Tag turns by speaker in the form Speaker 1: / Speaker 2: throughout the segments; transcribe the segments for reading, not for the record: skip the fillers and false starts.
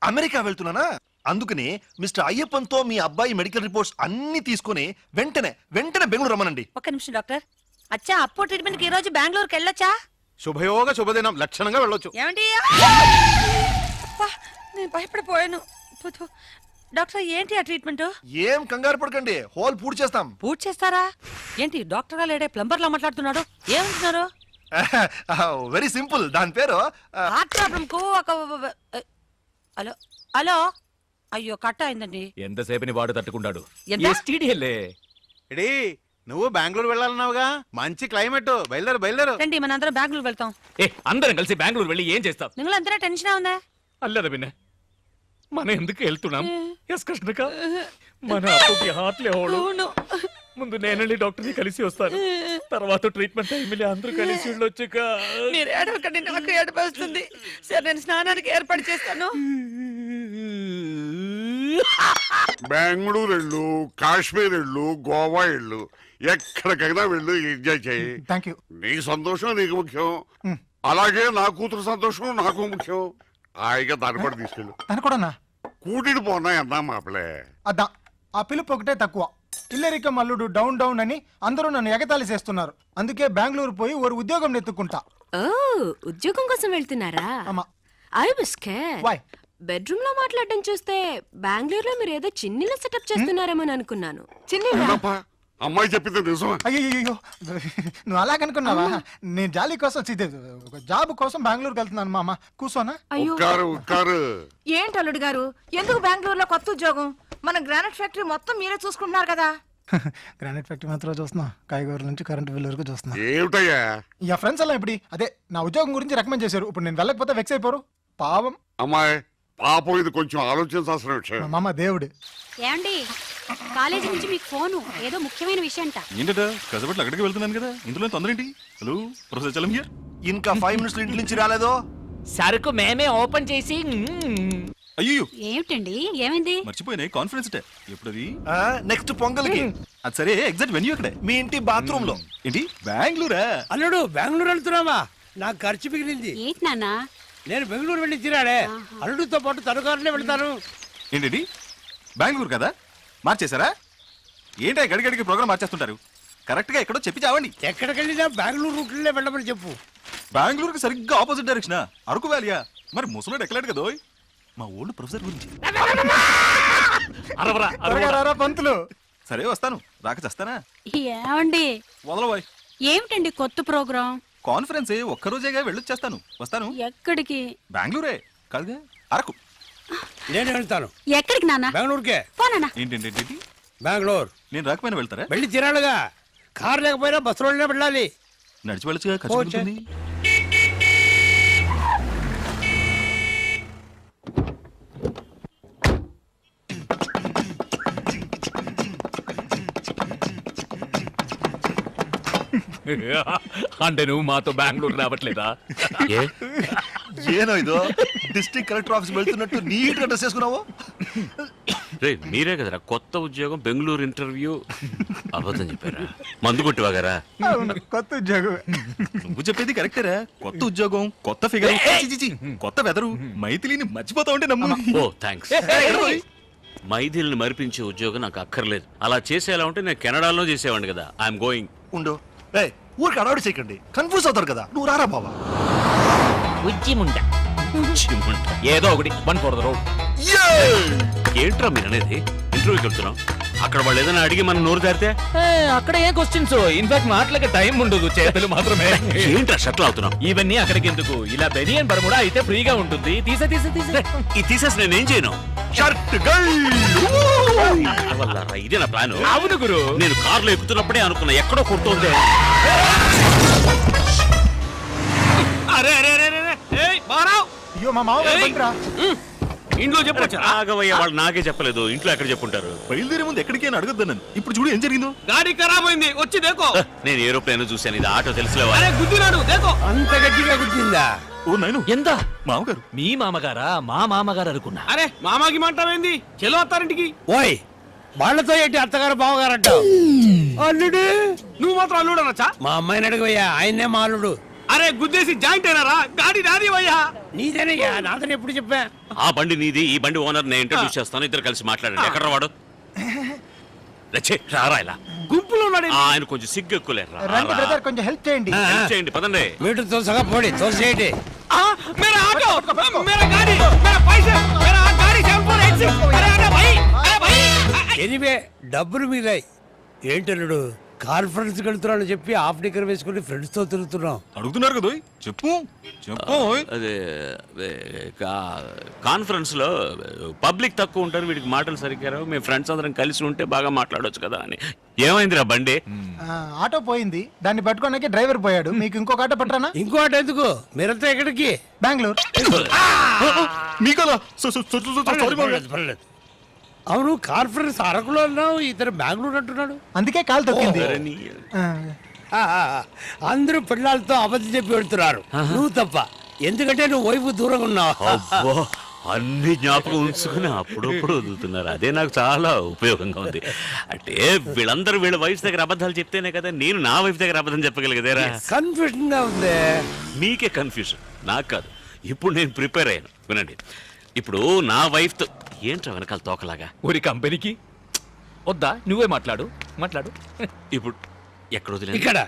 Speaker 1: America వెళ్తున్నానా, అందుకని mister అయ్యప్పన్తో మీ అబ్బాయి medical reports అన్ని తీసుకుని వెంటనే బెంగళూరు రమ్మనండి.
Speaker 2: ఒక్క నిమిషం డాక్టర్. అచ్చా అప్పో ట్రీట్మెంట్ కి ఈ రోజు బెంగళూరుకి వెళ్ళొచ్చా?
Speaker 3: శుభయోగ శుభదినం, లక్షణంగా వెళ్ళొచ్చు.
Speaker 2: ఏమండి? నేను భయపడిపోయాను. డాక్టర్ ఏంటి ఆ ట్రీట్మెంట్?
Speaker 1: ఏం కంగారు పడకండి, హోల్ పూర్తి చేస్తాం.
Speaker 2: పూర్తి చేస్తారా ఏంటి? డాక్టర్ గా లేడే ప్లంబర్ లా మాట్లాడుతున్నాడు. ఏమంటున్నారు?
Speaker 1: వెరీ సింపుల్, దాని పేరు
Speaker 2: హార్ట్ ప్రాబ్లం కు ఒక హలో హలో అయ్యో కట్ అయిందండి.
Speaker 4: ఎంతసేపని వాడు తట్టుకుంటాడు.
Speaker 3: ఎడీ నువ్వు బెంగళూరు వెళ్ళాలన్నావుగా, మంచి క్లైమేట్, బయలుదేరు.
Speaker 2: రండి మన అందరం బెంగళూరు వెళ్తాం.
Speaker 4: అందరం కలిసి బెంగళూరు వెళ్ళి ఏం చేస్తాం?
Speaker 2: നിങ്ങൾ എന്തിനാ ടെൻഷൻ ആവുന്നേ?
Speaker 4: అల్లదా పిన్న మనం ఎందుకు వెళ్తున్నాం? ఎస్ కృష్ణక మన అప్పుకి హార్ట్లే హోడు. ముందు నేనెళ్ళి డాక్టర్ని కలిసి వస్తాను, తర్వాత ట్రీట్మెంట్ టైంలో అందరూ కలిసి వెళ్ళొచ్చుక.
Speaker 2: మీరు ఏడవకండి, నాకు ఏడుపు వస్తుంది. సరే నేను స్నానానికి ఏర్పాటు చేస్తాను.
Speaker 5: బెంగళూరు వెళ్ళు, కాశ్మీర్ వెళ్ళు, గోవా వెళ్ళు, ఎక్కడికైనా వెళ్ళు, ఎంజాయ్ చేయి.
Speaker 6: Thank you.
Speaker 5: నీ సంతోషం నీకు ముఖ్యం, అలాగే నా కూతురు సంతోషం నాకు ముఖ్యం. హాయిగా దాన్ని కూడా తీసుకెళ్ళు.
Speaker 6: తను కూడా
Speaker 5: కూటిని పోనా అన్నా మాపలే.
Speaker 6: అద్దా ఆ పిలుపు ఒకటే తక్కువ. ఇల్లరిక మల్లుడు డౌన్ డౌన్ అని అందరూ నన్ను ఎగతాళి చేస్తున్నారు. అందుకే బెంగళూరు పోయి ఓ ఉద్యోగం నెత్తుకుంటా.
Speaker 7: ఓ ఉద్యోగం కోసం వెళ్తున్నారా?
Speaker 6: అమ్మా
Speaker 7: I was scared.
Speaker 6: Why?
Speaker 7: Bedroom లో మాట్లాడడం చూస్తే బెంగళూరులో మీరు ఏదో చిన్నిల సెటప్ చేస్తున్నారేమో అనుకున్నాను.
Speaker 5: అవునప్పా, అమ్మాయి చెప్పింది నిజమా?
Speaker 6: అయ్యో నువ్వు అలాగనుకున్నావా? నేను జాలీ కోసం జాబ్ కోసం బెంగళూరుకి వెళ్తున్నాను. మామ కూర్చోనా?
Speaker 5: ఉక్కారు
Speaker 8: ఏంటి అల్లుడు గారు, ఎందుకు బెంగళూరులో కొత్త ఉద్యోగం? మన గ్రానైట్ ఫ్యాక్టరీ మొత్తం మీరే చూసుకుంటున్నారు కదా.
Speaker 6: గ్రానైట్ ఫ్యాక్టరీ మాత్రం చూస్తున్నా, కాయగూరల నుంచి కరెంట్ బిల్ వరకు చూస్తున్నా.
Speaker 5: ఏమిటయ్యా
Speaker 6: ఇక ఫ్రెండ్స్ అలా ఇప్పుడు అదే నా ఉద్యోగం గురించి రికమెండ్ చేశారు. ఇప్పుడు నేను వెళ్ళకపోతే వెక్స్ అయిపోరు. పాపం
Speaker 5: అమ్మాయి, పాపం ఇది కొంచెం ఆలోచించాల్సిన విషయం.
Speaker 6: మా మామ దేవుడు.
Speaker 9: ఏమండి కాలేజీ నుంచి మీకు ఫోను, ఏదో ముఖ్యమైన విషయం అంట.
Speaker 3: ఏంటట కసబట్లు అక్కడికి వెళ్తున్నాను కదా, ఇందులో తొందర ఏంటి? Hello professor Chalam here.
Speaker 1: ఇంకా 5 మినిట్స్ ఇంటి నుంచి రాలేదో?
Speaker 4: సరుకు మేమే ఓపెన్ చేసి.
Speaker 3: అయ్యో
Speaker 9: ఏమిటండి ఏమైంది?
Speaker 3: మర్చిపోయినాయి, కాన్ఫరెన్స్ టే ఎప్పుడది?
Speaker 1: నెక్స్ట్ పొంగల్కి.
Speaker 3: అది సరే, ఎగ్జాక్ట్ వెన్యూ అక్కడే.
Speaker 1: మీ ఇంటి బాత్రూమ్ లో.
Speaker 3: ఏంటి బెంగళూరా?
Speaker 10: అల్లుడు బెంగళూరు వెళ్తున్నావా? నాకు ఖర్చు మిగిలింది.
Speaker 9: ఏంటి నాన్న?
Speaker 10: నేను బెంగళూరు వెళ్ళి తిరాడే, అల్లుడితో పాటు తనుకారులే వెళ్తాను.
Speaker 3: ఏంటి బెంగళూరు కదా, మార్చేశారా? ఏంటో గడిగడికి ప్రోగ్రామ్ మార్చేస్తుంటారు. కరెక్ట్ గా ఎక్కడో చెప్పి చావండి.
Speaker 10: ఎక్కడికి వెళ్ళినా బెంగళూరు రూట్లే వెళ్ళమని చెప్పు.
Speaker 3: బెంగళూరుకి సరిగ్గా ఆపోజిట్ డైరెక్షన్, అరకు వ్యాలియా? మరి ముసలోడు ఎక్కలేడు కదా. మా ఓల్డ్ ప్రొఫెసర్ గురించి.
Speaker 6: పంతులు
Speaker 3: సరే వస్తాను, రాక చేస్తానా?
Speaker 9: ఏమండి
Speaker 3: వదలబోయ్.
Speaker 9: ఏమిటండి కొత్త ప్రోగ్రాం?
Speaker 3: కాన్ఫరెన్స్ ఒక్కరోజేగా వెళ్ళొచ్చేస్తాను. వస్తాను.
Speaker 9: ఎక్కడికి?
Speaker 3: బెంగళూరే కాదుగా, అరకు.
Speaker 10: నేను వెళ్తాను.
Speaker 9: ఎక్కడికి నాన్న?
Speaker 10: బెంగళూరుకే.
Speaker 9: పోనా?
Speaker 3: ఏంటి
Speaker 10: బెంగళూరు
Speaker 3: నేను రాకపోయినా వెళ్తారా?
Speaker 10: వెళ్ళి తిరాడుగా, కారు లేకపోయినా బస్సులోనే వెళ్ళాలి.
Speaker 3: నడిచి వెళ్ళొచ్చుగా, ఖర్చు ఉంటుంది.
Speaker 4: అంటే నువ్వు మాతో బెంగళూరు రావట్లేదా?
Speaker 1: ఏనో ఇదో డిస్ట్రిక్ట్ కలెక్టర్ ఆఫీస్ వెళ్తున్నట్టు నీట్ గా డ్రెస్ చేసుకున్నావు.
Speaker 11: మీరే కదరా కొత్త ఉద్యోగం బెంగళూరు ఇంటర్వ్యూ అబద్ధం చెప్పారా? మందు కొట్టివాగారా?
Speaker 6: కొత్త ఉద్యోగం.
Speaker 3: నువ్వు చెప్పేది కరెక్టేరా. కొత్త ఉద్యోగం, కొత్త ఫిగర్, కొత్త వెదరు. మైథిలిని మర్చిపోతా ఉంటే నమ్ము.
Speaker 11: ఓ థ్యాంక్స్. మైథిలిని మరిపించే ఉద్యోగం నాకు అక్కర్లేదు. అలా చేసేలా ఉంటే నేను కెనడాలో చేసేవాడిని కదా. I'm going.
Speaker 1: ఉండు, ఊరికి అడవాడు చేయకండి, కన్ఫ్యూజ్ అవుతారు కదా. నువ్వు రారా బాబా.
Speaker 4: ఏదో ఒకటి 1 for the road.
Speaker 11: ఏంట్రా మీరు అనేది? ఇంటర్వ్యూకి వెళ్తున్నాం, అక్కడ వాళ్ళు ఏదైనా అడిగి మనం నోరు జారితే
Speaker 4: అక్కడ ఏ క్వశ్చన్స్? ఇన్ఫాక్ట్ మాటలకి టైం ఉండదు, చేతులు మాత్రమే.
Speaker 11: ఏంట్రా షట్లు అవుతున్నాం?
Speaker 4: ఇవన్నీ అక్కడికి ఎందుకు? ఇలా బెనియన్ బర్ముడా అయితే ఫ్రీగా ఉంటుంది.
Speaker 11: ఈ తీసేసి నేనేం చేయను? ఇదే నా ప్లాన్.
Speaker 4: అవును గురు,
Speaker 11: నేను కార్లో ఎక్కుతున్నప్పుడే అనుకున్నా ఎక్కడో కొడుతోంది.
Speaker 6: అయ్యో మా మామ
Speaker 11: ఇంట్లో చెప్పొచ్చు. ఆగవయ్య, వాళ్ళు నాకే చెప్పలేదు. ఇంట్లో ఎక్కడ చెప్పుంటారు?
Speaker 3: బయలుదేరే ముందు ఎక్కడికైనా అడగద్దు నన్ను. ఇప్పుడు చూడు ఏం జరిగిందో.
Speaker 10: గాడి ఖరాబ్ అయింది, వచ్చి దేకో.
Speaker 11: నేను ఏరోప్లేన్ చూశాను, ఇది ఆటో తెలుసులేవా?
Speaker 10: గుద్దినాడు, దేకో. అంత గట్టిగా గుద్దిందా?
Speaker 3: ఓ నాయను,
Speaker 4: ఎంత?
Speaker 3: మామగారు.
Speaker 4: మీ మామగారా? మా మామగారు అనుకున్నా.
Speaker 10: అరే మామాకి మంటావేంది? చెలో అత్తారింటికి. ఓయ్ వాళ్ళతో ఏంటి అత్తగారు బావగారు అంటావు? అల్లుడు నువ్వు మాత్రం అల్లుడు అనొచ్చా? మా అమ్మాయిని అడగవయ్యా, ఆయన్నే మా అల్లుడు. అరే గుద్దేసి జాయింట్ అయినారా గాడి నాది అయ్యా నీదేనయ్యా నాదని ఎప్పుడు చెప్పా
Speaker 11: ఆ బండి నీది, ఈ బండి ఓనర్ నేను ఇంట్రడ్యూస్ చేస్తాను, ఇద్దరు కలిసి మాట్లాడండి. ఎక్కడ వాడు? రచ్చే, రారా ఇలా.
Speaker 10: గుంపులో ఉన్నాడు
Speaker 11: ఆయన కొంచెం సిగ్గు ఎక్కువలేరు.
Speaker 6: రండి బ్రదర్ కొంచెం హెల్ప్ చేయండి.
Speaker 11: చేయండి, పదండి.
Speaker 10: మీటర్ తోసగా పోడి తోసేయండి मेरा ऑटो मेरा गाड़ी मेरा पैसे मेरा गाड़ी 7486 अरे अरे भाई ఎనివే డబ్బులు మిగిలాయి ఏంటన్నాడు కాన్ఫరెన్స్ వెళ్తున్నాను చెప్పి హాఫ్ డిక్కర్ వేసుకుని ఫ్రెండ్స్ తో తిరుగుతున్నాం
Speaker 3: అడుగుతున్నారు కదా ఓయ్. చెప్పు చెప్పు ఓయ్.
Speaker 11: అదే కాన్ఫరెన్స్ లో పబ్లిక్ తక్కువ ఉంటారు, వీడికి మాటలు సరిగ్గా రావు, మేము ఫ్రెండ్స్ అందరం కలిసి ఉంటే బాగా మాట్లాడొచ్చు కదా అని. ఏమైందిరా బండి?
Speaker 6: ఆటో పోయింది, దాన్ని పట్టుకోడానికి డ్రైవర్ పోయాడు. మీకు ఇంకొక ఆటో పట్టరానా?
Speaker 10: ఇంకో ఆటో ఎందుకు మీరంతా ఎక్కడికి
Speaker 6: బెంగళూరు.
Speaker 3: మీకలా
Speaker 10: పర్లేదు. అవును కాన్ఫరెన్స్ అరకులో అన్నావు, ఇతను బెంగళూరు అంటున్నాడు.
Speaker 6: అందుకే కాలు తొక్కింది. ఆ,
Speaker 10: అందరూ పిల్లలతో అబద్ధం చెప్పి వెళ్తున్నారు, నువ్వు తప్ప. ఎందుకంటే నువ్వు వైపు దూరంగా ఉన్నావు.
Speaker 11: అబ్బో, అన్ని జ్ఞాపకం ఉంచుకుని అప్పుడప్పుడు వదులుతున్నారు. అదే నాకు చాలా ఉపయోగంగా ఉంది. అంటే వీళ్ళందరూ వీళ్ళ వైఫ్ దగ్గర అబద్ధాలు చెప్తేనే కదా నేను నా వైఫ్ దగ్గర అబద్ధం చెప్పగలిగేదేరా.
Speaker 10: కన్ఫ్యూజన్ గా ఉంది.
Speaker 11: మీకే కన్ఫ్యూజన్, నాకు కాదు. ఇప్పుడు నేను ప్రిపేర్ అయ్యాను, వినండి. ఇప్పుడు నా వైఫ్తో ఏంట్రా వెనకాల తోకలాగా?
Speaker 4: ఊరి కంపెనీకి వద్దా, నువ్వే మాట్లాడు.
Speaker 11: ఇప్పుడు ఎక్కడ వదిలేదు?
Speaker 10: ఇక్కడ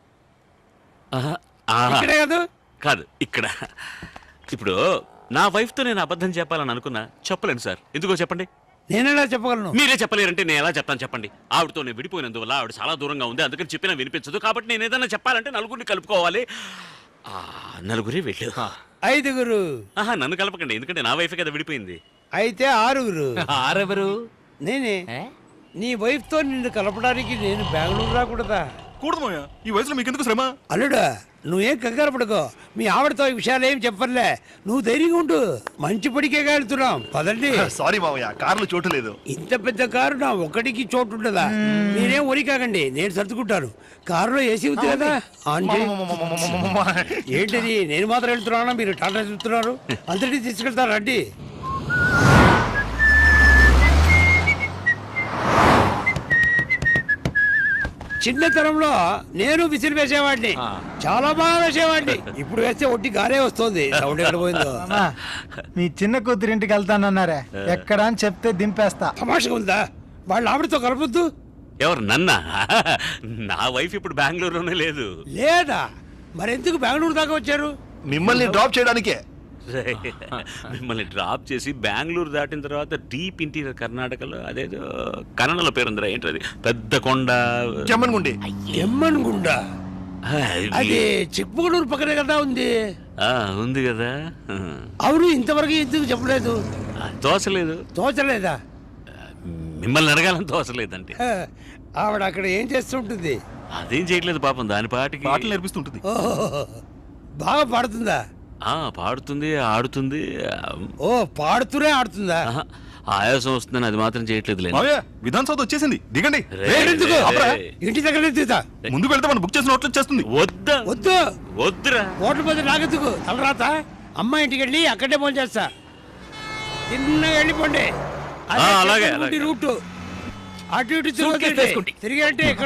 Speaker 10: ఇక్కడే కాదు
Speaker 11: కాదు, ఇక్కడ. ఇప్పుడు నా వైఫ్తో నేను అబద్ధం చెప్పాలని అనుకున్నా, చెప్పలేను సార్. ఎందుకో చెప్పండి.
Speaker 10: నేనెలా చెప్పగలను?
Speaker 11: మీరే చెప్పలేరంటే నేను ఎలా చెప్తాను చెప్పండి. ఆవిడతో నేను విడిపోయినందువల్ల ఆవిడ చాలా దూరంగా ఉంది, అందుకని చెప్పినా వినిపించదు. కాబట్టి నేను ఏదైనా చెప్పాలంటే నలుగురిని కలుపుకోవాలి. నలుగురే వెళ్ళు.
Speaker 10: 5గురు.
Speaker 11: నన్ను కలపకండి, ఎందుకంటే నా వైఫ్ కదా విడిపోయింది.
Speaker 10: అయితే 6గురు.
Speaker 4: ఆరెవరు?
Speaker 10: నేనే. నీ వైఫ్ తో నిన్ను కలపడానికి నేను బెంగళూరు రాకూడదా?
Speaker 3: కూడదమయ్యా, ఈ వయసులో మీకెందుకు శ్రమ?
Speaker 10: అల్లుడా నువ్వేం కంగారు పడుకో, మీ ఆవిడతో ఈ విషయాలు ఏం చెప్పర్లే, నువ్వు ధైర్యంగా ఉండు. మంచి పడికే వెళ్తున్నాం, పదండి.
Speaker 1: సారీ మావయ్య, కార్లు చోటు లేదు.
Speaker 10: ఇంత పెద్ద కారు నా ఒక్కడికి చోటు ఉండదా? మీరేం ఒరి కాకండి, నేను సర్దుకుంటాను. కారులో ఏసీ ఉంది కదా, ఆన్ చేయి. ఏంటిది నేను మాత్రం వెళ్తున్నానా, మీరు టాటా చెప్తున్నారు? అందరినీ తీసుకెళ్తారు రండి. చిన్నతనంలో నేను విసిరి వేసేవాడిని, చాలా బాగా వేసేవాడిని. ఇప్పుడు వేస్తే ఒట్టి గారే వస్తుంది. సౌండ్ ఎక్కడ పోయిందో.
Speaker 6: అమ్మా, మీ చిన్న కూతురింటికి వెళ్తానన్నారే, ఎక్కడ అని చెప్తే దింపేస్తా.
Speaker 10: తమాషగా ఉందా? వాళ్ళ ఆవిడతో కలపొద్దు.
Speaker 11: ఎవరు, నన్నా? నా వైఫ్ ఇప్పుడు బెంగళూరులోనే లేదు.
Speaker 10: లేదా మరెందుకు బెంగళూరు దాకా వచ్చారు?
Speaker 1: మిమ్మల్ని డ్రాప్ చేయడానికే.
Speaker 11: మిమ్మల్ని డ్రాప్ చేసి బెంగళూరు దాటిన తర్వాత డీప్ ఇంటీరియర్ కర్ణాటకలో అదేదో కన్నడలో పేరుందిరా, ఏంటది, పెద్ద కొండ,
Speaker 1: జమ్మన్గుండి.
Speaker 10: ఎమ్మన్గుండ అది చిక్మగళూరు పక్కనే కదా ఉంది.
Speaker 11: ఉంది కదా.
Speaker 10: అవును, ఇంతవరకు ఎందుకు చెప్పలేదు?
Speaker 11: తోచలేదు.
Speaker 10: తోచలేదా?
Speaker 11: మిమ్మల్ని అడగాలని తోచలేదంటే.
Speaker 10: ఆవిడ అక్కడ ఏం చేస్తుంటుంది?
Speaker 11: అదేం చేయట్లేదు పాపం, దాని పాటికి
Speaker 3: పాటలు నేర్పిస్తుంటుంది.
Speaker 10: ఓహో, బాగా పాడుతుందా?
Speaker 11: పాడుతుంది, ఆడుతుంది.
Speaker 10: ఓ, పాడుతూనే ఆడుతుందా?
Speaker 11: ఆయాసం వస్తుందని అది మాత్రం చేయట్లేదు.
Speaker 3: మావయ్య, విధాన్ సౌత్ వచ్చేసింది, దిగండి.
Speaker 10: ఎందుకు? ఇంటి దగ్గర దిగుతా.
Speaker 3: ముందుకు వెళ్తే మనం బుక్ చేసిన హోటల్ వచ్చేస్తుంది.
Speaker 11: వద్దా?
Speaker 10: వద్దు
Speaker 11: వద్దురా.
Speaker 10: హోటల్ పోతే నాకెందుకు? తలరాత అమ్మ ఇంటికి వెళ్ళి అక్కడే ఫోన్ చేస్తా. తిన్నగా వెళ్ళిపోండి.
Speaker 11: అలాగే,
Speaker 10: రూట్ అటు ఇటు తిరిగి అంటే ఇక్కడ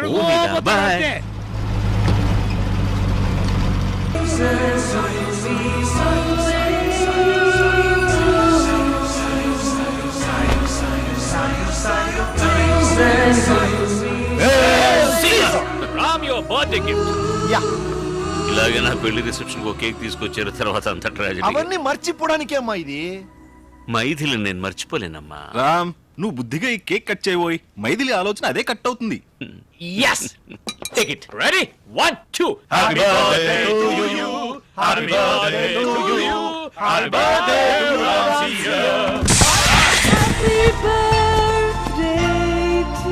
Speaker 11: ఇలాగే నా పెళ్లి రిసెప్షన్ ఒక కేక్ తీసుకొచ్చారు, తర్వాత అంత ట్రాజెడీ.
Speaker 1: అవన్నీ మర్చిపోవడానికే అమ్మా ఇది.
Speaker 11: మైథిలి నేను మర్చిపోలేనమ్మా.
Speaker 3: రామ్, నువ్వు బుద్ధిగా ఈ కేక్ కట్ చేయబోయి మైథిలి ఆలోచన అదే కట్ అవుతుంది.
Speaker 4: Yes. Take it. Ready? 1, 2. Happy birthday to you. Happy birthday to you. Happy birthday to Ramsiya.
Speaker 8: Happy birthday to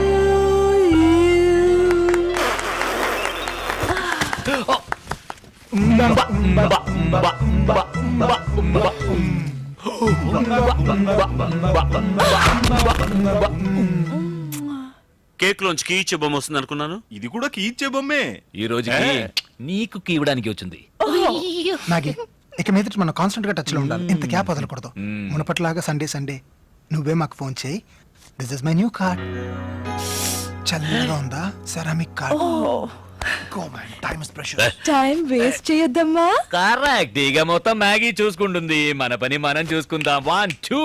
Speaker 11: cake లోంచి కీచే బొమ్మ వస్తుంది అనుకున్నాను.
Speaker 3: ఇది కూడా కీచ్చే బొమ్మే.
Speaker 4: ఈ రోజుకి నీకు కీవడానికి వచ్చింది.
Speaker 6: నాగి, ఇక మీద మనం కాన్స్టెంట్ గా టచ్ లో ఉండాలి. ఇంత గ్యాప్ వదలకూడదు. మునపట్లాగా సండే నువ్వే మాకు ఫోన్ చేయి. This is my new card. చల్లగా ఉందా? Ceramic card.
Speaker 1: Go, man. Time is precious.
Speaker 8: Time waste చేయొద్దమ్మా.
Speaker 4: కరెక్ట్. ఇక మొత్తం మ్యాగీ చూసుకుంటుంది, మన పని మనం చూసుకుందాం. 1 2.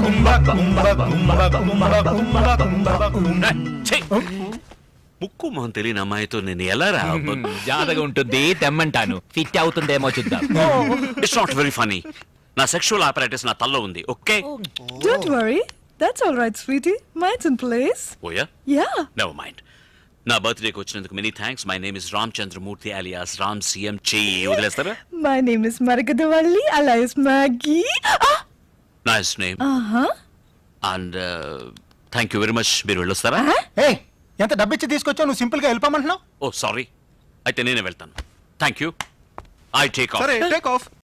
Speaker 11: ఛీ! ముక్కు మొహం తెలియని అమ్మాయితో నేను ఎలా రా?
Speaker 4: జాతగా ఉంటుంది, తెమ్మంటాను. ఫిట్ అవుతుందేమో చూద్దాం.
Speaker 11: It's not very funny. నా సెక్షువల్ ఆపరేటర్స్ నా తల్లో ఉంది. Okay
Speaker 8: Don't worry. That's all right, sweetie. Mine's in place.
Speaker 11: ఓయా
Speaker 8: Yeah.
Speaker 11: Never mind. నా బర్త్డేకి వచ్చినందుకు many thanks. My name is Ram Chandramurthy alias Ram CM. చెయ్యి వదిలేస్తారా?
Speaker 8: My name is Maragadovalli alias Maggie.
Speaker 11: Nice name
Speaker 8: Uh-huh.
Speaker 11: And thank you very much. మీరు వెళ్ళొస్తారా?
Speaker 6: ఏయ్ ఎంత డబ్బిచ్చి తీసుకొచ్చావు నువ్వు సింపుల్ గా వెళ్ళిపోమంటున్నావు?
Speaker 11: ఓ సారీ, అయితే నేనే వెళ్తాను. Thank you. I take off.
Speaker 3: సరే టేక్ ఆఫ్.